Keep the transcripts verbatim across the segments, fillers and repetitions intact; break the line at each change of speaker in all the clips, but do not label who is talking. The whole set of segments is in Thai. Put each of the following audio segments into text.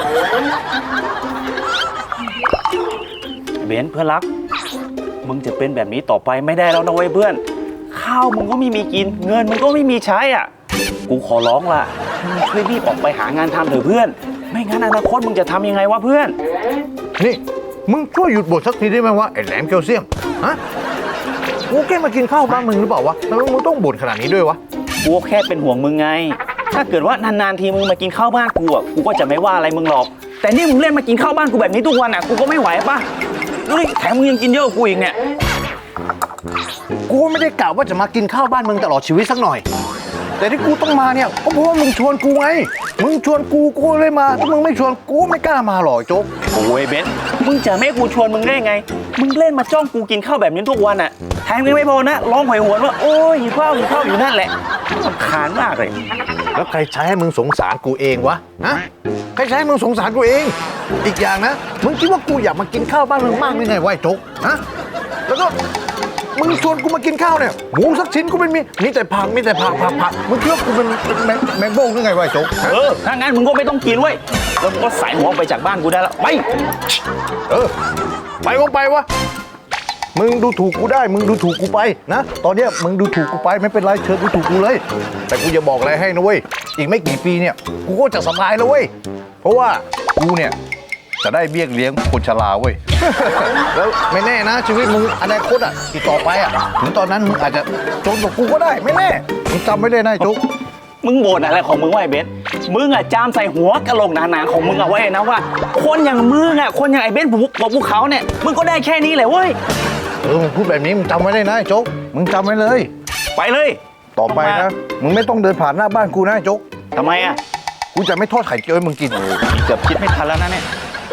เบนเพื่อนรักมึงจะเป็นแบบนี้ต่อไปไม่ได้แล้วนะเว้ยเพื่อนข้าวมึงก็ไม่มีกินเงินมึงก็ไม่มีใช้อ่ะกูขอร้องละมึงช่วยรีบออกไปหางานทำเถอะเพื่อนไม่งั้นอนาคตมึงจะทำยังไงวะเพื่อน
นี่มึงช่วยหยุดบ่นสักทีได้ไหมวะไอ้แหลมแคลเซียมฮะกูแค่มากินข้าวบ้านมึงหรือเปล่าวะทำไมมึงต้องบ่นขนาดนี้ด้วยวะ
กูแค่เป็นห่วงมึงไงถ้าเกิดว่านานๆทีมึงมากินข้าวบ้านกูอ่ะกูก็จะไม่ว่าอะไรมึงหรอกแต่นี่มึงเล่นมากินข้าวบ้านกูแบบนี้ทุกวันอ่ะกูก็ไม่ไหวป่ะเฮ้ยแถมมึงยังกินเยอะกว่ากูอีกเนี่ย
กูไม่ได้กล่าวว่าจะมากินข้าวบ้านมึงตลอดชีวิตสักหน่อยแต่ที่กูต้องมาเนี่ยก็เพราะว่ามึงชวนกูไงมึงชวนกูกูเลยมาถ้ามึงไม่ชวนกูไม่กล้ามาหรอกโจ๊ก
โอ้ยเบนมึงจะไม่กูชวนมึงได้ไงมึงเล่นมาจ้องกูกินข้าวแบบนี้ทุกวันอ่ะแถมยังไม่พอนะร้องหอยหวนว่าโอ้ยหิวข้าวหิวข้าวอยู่นั่นแหละรำคาญมากเลย
แล้วใครใช้ให้มึงสงสารกูเองวะฮะใครใช้ให้มึงสงสารกูเองอีกอย่างนะมึงคิดว่ากูอยากมากินข้าวบ้านมึงมากหรือไงวะไอ้โจ๊กฮะแล้วก็มึงชวนกูมากินข้าวเนี่ยหมูสักชิ้นกูไม่มีมีแต่ผักมีแต่ผักผักผักมึงคิดว่ากูเป็นแมงแมงบ้งหรือไงวะไอ้โจ๊ก
เออถ้างั้นมึงก็ไม่ต้องกินเว้ยแล้วมึงก็ใส่หัวไปจากบ้านกูได้แล้วไป
เออไปก็ไปวะมึงดูถูกกูได้มึงดูถูกกูไปนะตอนเนี้ยมึงดูถูกกูไปไม่เป็นไรเชิญดูถูกกูเลยแต่กูจะบอกอะไรให้นะเว้ยอีกไม่กี่ปีเนี่ยกูก็จะสบายแล้วเว้ยเพราะว่ากูเนี่ยจะได้เบี้ยเลี้ยงคนชราเว้ย แล้วไม่แน่นะชีวิตมึงอนาคตอ่ะอีกต่อไปอ่ะถึงตอนนั้นมึงอาจจะจนกว่ากูก็ได้ไม่แน่มึงจำไม่ได้นะจุ๊ก
มึงบ่นอะไรของมึงไว้เบสมึงอ่ะจามใส่หัวกะโหลกหนาๆของมึงเอาไว้นะว่าคนอย่างมึงอ่ะคนอย่างไอ้เบสบอกภูเขาเนี่ยมึงก็ได้แค่นี้แหละเว้ย
เออมึงพูดแบบนี้มึงจำไว้ได้นะจุ๊กมึงจำไว้เลย
ไปเลย
ต่อไปนะมึงไม่ต้องเดินผ่านหน้าบ้านกูนะจุ๊ก
ทำไมอ่ะ
กูจะไม่ทอดไข่เจียวให้มึงกิน
เกือบคิดไม่ทันแล้วนะเนี่ย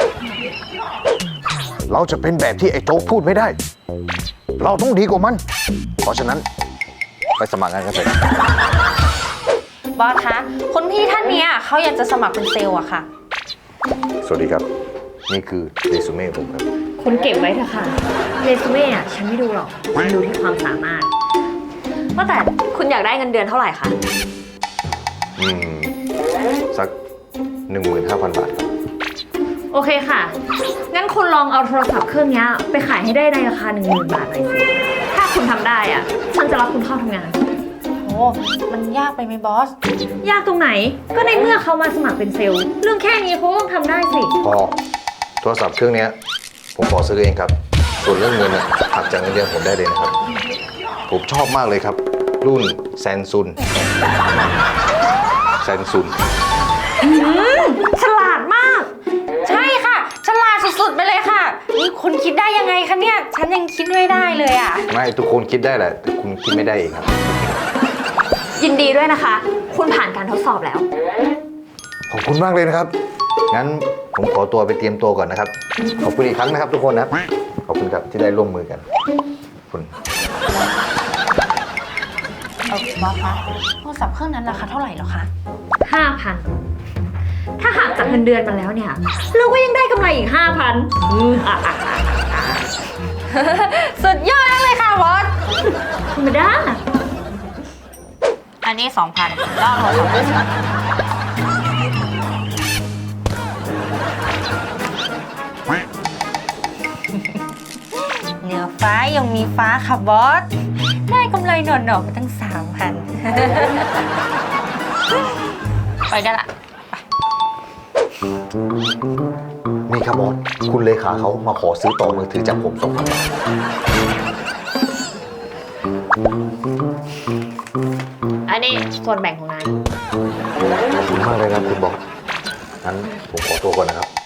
เราจะเป็นแบบที่ไอ้โจ๊กพูดไม่ได้เราต้องดีกว่ามันเพราะฉะนั้นไปสมัครงานกันเถอะ
บอสคะคุณพี่ท่านนี้เขาอยากจะสมัครเป็นเซลล์อะค่ะ
สวัสดีครับนี่คือเรซูเม่ผมครับ
คุณเก็บไว้เถอะค่ะเรซูเม่อะฉันไม่ดูหรอกฉันดูที่ความสามารถว่าแต่คุณอยากได้เงินเดือนเท่าไหร่คะ
อืมสักหนึ่งหมื่นห้าพันบาทครับ
โอเคค่ะงั้นคุณลองเอาโทรศัพท์เครื่องนี้ไปขายให้ได้ในราคาหนึ่งหมื่นบาทหน่อยสิถ้าคุณทำได้อ่ะฉันจะรับคุณเข้าทำงานโอ้มันยากไปไหมบอสยากตรงไหนก็ในเมื่อเขามาสมัครเป็นเซลล์เรื่องแค่นี้เขาต้องทำได้สิ
พอโทรศัพท์เครื่องนี้ผมขอซื้อเองครับส่วนเรื่องเงินหักจากเงินเดือนผมได้เลยนะครับผมชอบมากเลยครับรุ่นแซนซุนแซนซุน
ฉลาดมากใช่ค่ะฉลาดสุดๆไปเลยค่ะนี่คุณคิดได้ยังไงคะเนี่ยฉันยังคิดไม่ได้เลยอ่ะ
ไม่ทุกคนคิดได้แหละแต่คุณคิดไม่ได้เองครับ
ยินดีด้วยนะคะคุณผ่านการทดสอบแล้ว
ขอบคุณมากเลยนะครับงั้นผมขอตัวไปเตรียมตัวก่อนนะครับขอบคุณอีกครั้งนะครับทุกคนนะขอบคุณครับที่ได้ร่วมมือกันคุณ
เอาบอสคะโทรศัพท์เครื่องนั้นราคาเท่าไหร่หรอคะห้าพันถ้าหักจากเงินเดือนมาแล้วเนี่ยเราก็ยังได้กำไรอีกห้าพันสุดยอดเลยค่ะบอสธรรมดาอันนี้สองพันก็โทรศัพท์ด้วยสิเหนือฟ้ายังมีฟ้าค่ะบอสได้กำไรหน่อๆมาตั้งสามพันไปได้ละ
นี่ครับบอสคุณเลขาเขามาขอซื้อต่อมือถือจากผมสองพันบาท
อันนี้ส่วนแบ่งของนาย
ขอบคุณมากเลยนะคุณบอสงั้นผมขอตัวก่อนนะครับ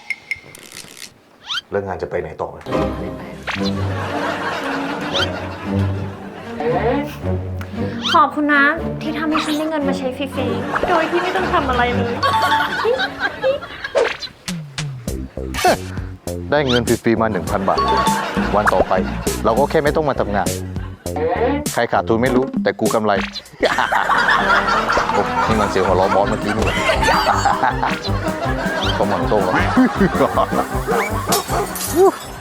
เรื่องงานจะไปไหนต่อ
ขอบคุณนะที่ทำให้ฉันได้เงินมาใช้ฟรีๆโดยที่ไม่ต้องทำอะไรเลย
ได้เงินฟรีๆมา หนึ่งพัน บาทวันต่อไปเราก็แค่ไม่ต้องมาทำงานใครขาดทุนไม่รู้แต่กูกำไรนี่มันเสียงหัวเราะบอสเมื่อกี้นี่ก็มันโต้งแล้ว